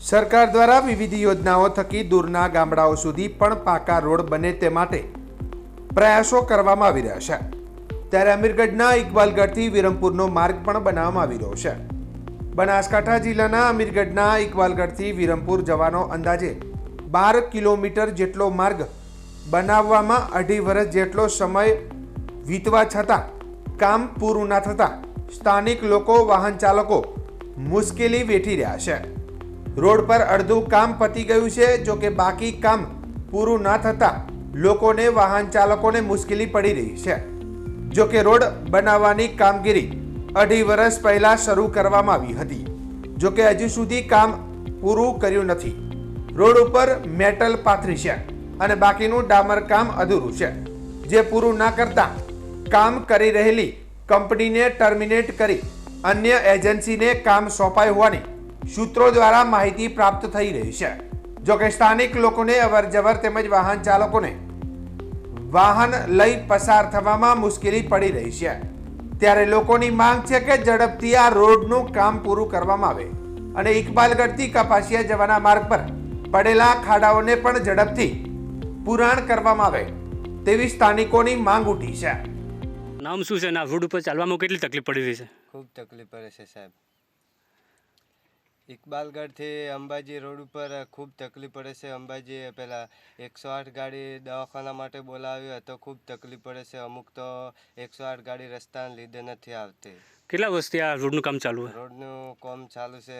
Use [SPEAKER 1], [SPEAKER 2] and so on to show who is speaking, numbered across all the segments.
[SPEAKER 1] સરકાર દ્વારા વિવિધ યોજનાઓ થકી દૂરના ગામડાઓ સુધી પણ પાકા રોડ બને તે માટે પ્રયાસો કરવામાં આવી રહ્યા છે। ત્યારે અમીરગઢના ઇકબાલગઢથી વિરમપુરનો માર્ગ પણ બનાવવામાં આવી રહ્યો છે। બનાસકાંઠા જિલ્લાના અમીરગઢના ઇકબાલગઢથી વિરમપુર જવાનો અંદાજે 12 કિલોમીટર જેટલો માર્ગ બનાવવામાં 2.5 વર્ષ જેટલો સમય વીતવા છતાં કામ પૂરું ન થતાં સ્થાનિક લોકો વાહન ચાલકો મુશ્કેલી વેઠી રહ્યા છે। રોડ પર અડધું કામ પતી ગયું છે, જો કે બાકી કામ પૂરું ન થતાં લોકોને વાહન ચાલકોને મુશ્કેલી પડી રહી છે। જો કે રોડ બનાવવાની કામગીરી 2.5 વર્ષ પહેલા શરૂ કરવામાં આવી હતી, જો કે હજુ સુધી કામ પૂરું કર્યું નથી। રોડ ઉપર મેટલ પાથરી છે અને બાકીનું ડામર કામ અધૂરું છે, જે પૂરું ન કરતા કામ કરી રહેલી કંપનીને ટર્મિનેટ કરી અન્ય એજન્સીને કામ સોંપાયું હોવાની સૂત્રો દ્વારા માહિતી પ્રાપ્ત થઈ રહી છે। જો કે સ્થાનિક લોકોને અવરજવર તેમજ વાહન ચાલકોને વાહન લઈ પસાર થવામાં મુશ્કેલી પડી રહી છે। ત્યારે લોકોની માંગ છે કે ઝડપથી આ રોડનું કામ પૂરું કરવામાં આવે અને ઇકબાલગઢથી કપાસિયા જવાના માર્ગ પર પડેલા ખાડાઓને પણ ઝડપથી પુરાણ કરવામાં આવે તેવી સ્થાનિકોની માંગ ઉઠી છે।
[SPEAKER 2] નામ શું છે? ના રોડ ઉપર ચાલવામાં કેટલી તકલીફ પડી રહી છે?
[SPEAKER 3] ખૂબ તકલીફ પડે છે સાહેબ। ઇકબાલગઢથી અંબાજી રોડ ઉપર ખૂબ તકલીફ પડે છે। અંબાજી પહેલાં 108 ગાડી દવાખાના માટે બોલાવ્યો તો ખૂબ તકલીફ પડે છે। અમુક તો 108 ગાડી રસ્તાને લીધે નથી આવતી।
[SPEAKER 2] કેટલા વર્ષથી આ રોડનું કામ ચાલુ છે?
[SPEAKER 3] રોડનું કામ ચાલુ છે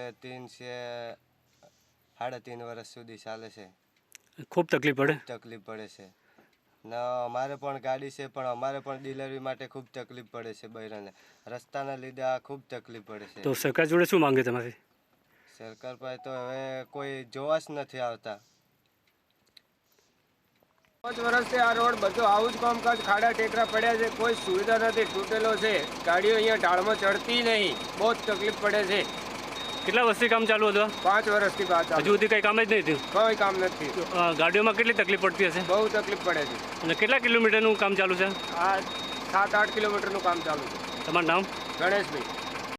[SPEAKER 3] 3.5 વર્ષ સુધી ચાલે છે।
[SPEAKER 2] ખૂબ તકલીફ પડે?
[SPEAKER 3] તકલીફ પડે છે ના, અમારે પણ ગાડી છે પણ અમારે પણ ડિલિવરી માટે ખૂબ તકલીફ પડે છે। બૈરાને રસ્તાના લીધે આ ખૂબ તકલીફ પડે છે।
[SPEAKER 2] તો સરકાર જોડે શું માંગે તમારી?
[SPEAKER 3] સરકાર પાસે તો હવે કોઈ જોવા જ નથી આવતા।
[SPEAKER 4] 5 વર્ષથી આ રોડ બધો આવું જ કામકાજ, ખાડા ટેકરા પડ્યા છે, કોઈ સુવિધા નથી, તૂટેલો છે, ગાડીઓ અહીંયા ઢાળમાં ચડતી નહીં, બહુ જ તકલીફ પડે છે।
[SPEAKER 2] કેટલા વર્ષથી કામ ચાલુ હતું?
[SPEAKER 4] 5 વર્ષથી બાદ
[SPEAKER 2] હજુ સુધી કંઈ કામ જ નહીં થયું?
[SPEAKER 4] કોઈ કામ નથી।
[SPEAKER 2] ગાડીઓમાં કેટલી તકલીફ પડતી હશે?
[SPEAKER 4] બહુ તકલીફ પડે છે।
[SPEAKER 2] અને કેટલા કિલોમીટરનું કામ ચાલુ છે?
[SPEAKER 4] આ 7-8 કિલોમીટરનું કામ ચાલુ છે।
[SPEAKER 2] તમારું નામ?
[SPEAKER 4] ગણેશભાઈ।